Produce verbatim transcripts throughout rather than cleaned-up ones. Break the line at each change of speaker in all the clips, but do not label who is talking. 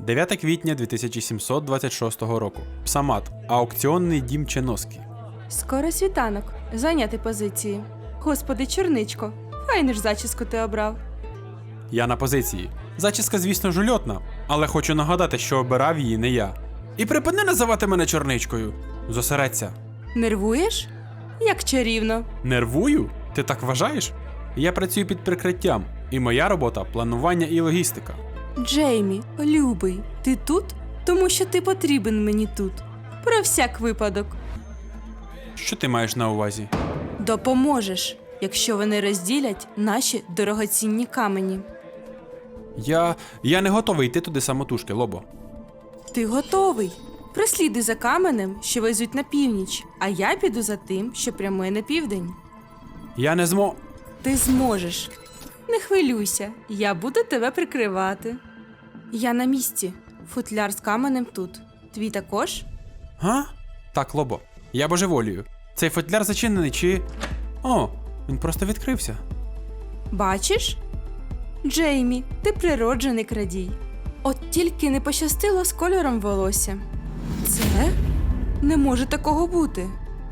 дев'яте квітня дві тисячі сімсот двадцять шостого року. Псамат. Аукціонний дім Ченоски.
Скоро світанок. Зайняти позиції. Господи, чорничко, файну ж зачіску ти обрав.
Я на позиції. Зачіска, звісно, жульотна, але хочу нагадати, що обирав її не я. І припини називати мене чорничкою. Зосередься.
Нервуєш? Як чарівно.
Нервую? Ти так вважаєш? Я працюю під прикриттям, і моя робота – планування і логістика.
Джеймі, любий, ти тут? Тому що ти потрібен мені тут. Про всяк випадок.
Що ти маєш на увазі?
Допоможеш, якщо вони розділять наші дорогоцінні камені.
Я... я не готовий йти туди самотужки, Лобо.
Ти готовий. Прослідуй за каменем, що везуть на північ, а я піду за тим, що прямує на південь.
Я не змо...
Ти зможеш. Не хвилюйся, я буду тебе прикривати. Я на місці. Футляр з каменем тут. Твій також?
Га? Так, Лобо, я божеволію. Цей футляр зачинений чи... О, він просто відкрився.
Бачиш? Джеймі, ти природжений крадій. От тільки не пощастило з кольором волосся. Це? Не може такого бути.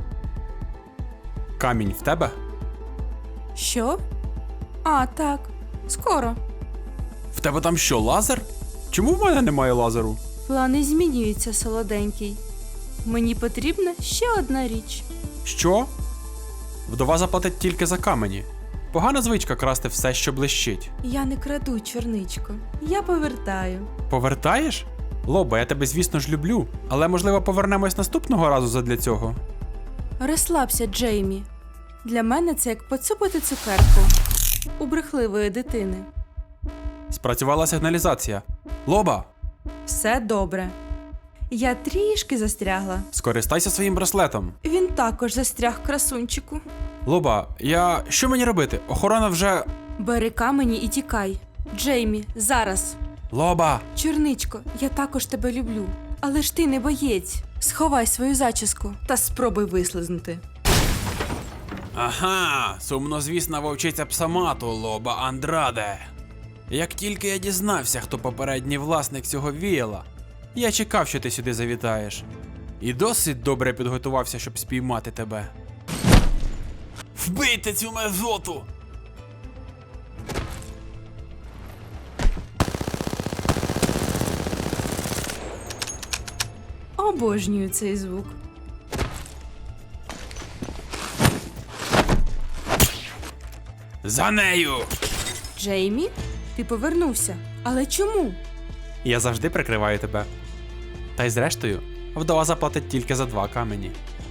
Камінь в тебе?
Що? А, так. Скоро.
В тебе там що, лазер? Чому в мене немає лазеру?
Плани змінюються, солоденький. Мені потрібна ще одна річ.
Що? Вдова заплатить тільки за камені. Погана звичка красти все, що блищить.
Я не краду, чорничко. Я повертаю.
Повертаєш? Лобо, я тебе, звісно ж, люблю, але, можливо, повернемось наступного разу задля цього.
Розслабся, Джеймі. Для мене це як поцупити цукерку у брехливої дитини.
Спрацювала сигналізація. Лоба!
Все добре. Я трішки застрягла.
Скористайся своїм браслетом.
Він також застряг, красунчику.
Лоба, я... що мені робити? Охорона вже...
Бери камені і тікай. Джеймі, зараз.
Лоба!
Чорничко, я також тебе люблю. Але ж ти не боєць. Сховай свою зачіску та спробуй вислизнути.
Ага, сумнозвісна вовчиця Псамату, Лоба Андраде. Як тільки я дізнався, хто попередній власник цього віяла, я чекав, що ти сюди завітаєш. І досить добре підготувався, щоб спіймати тебе. Вбийте цю мерзоту!
Обожнюю цей звук.
За нею!
Джеймі, ти повернувся. Але чому?
Я завжди прикриваю тебе. Та й зрештою, вдова заплатить тільки за два камені.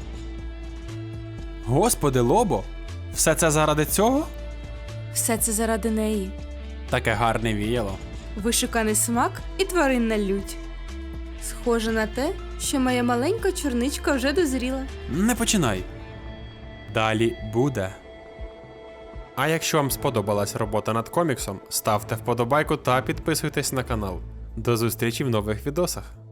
Господи, Лобо! Все це заради цього?
Все це заради неї.
Таке гарне віяло.
Вишуканий смак і тваринна лють. Схоже на те, що моя маленька чорничка вже дозріла.
Не починай. Далі буде. А якщо вам сподобалась робота над коміксом, ставте вподобайку та підписуйтесь на канал. До зустрічі в нових відосах.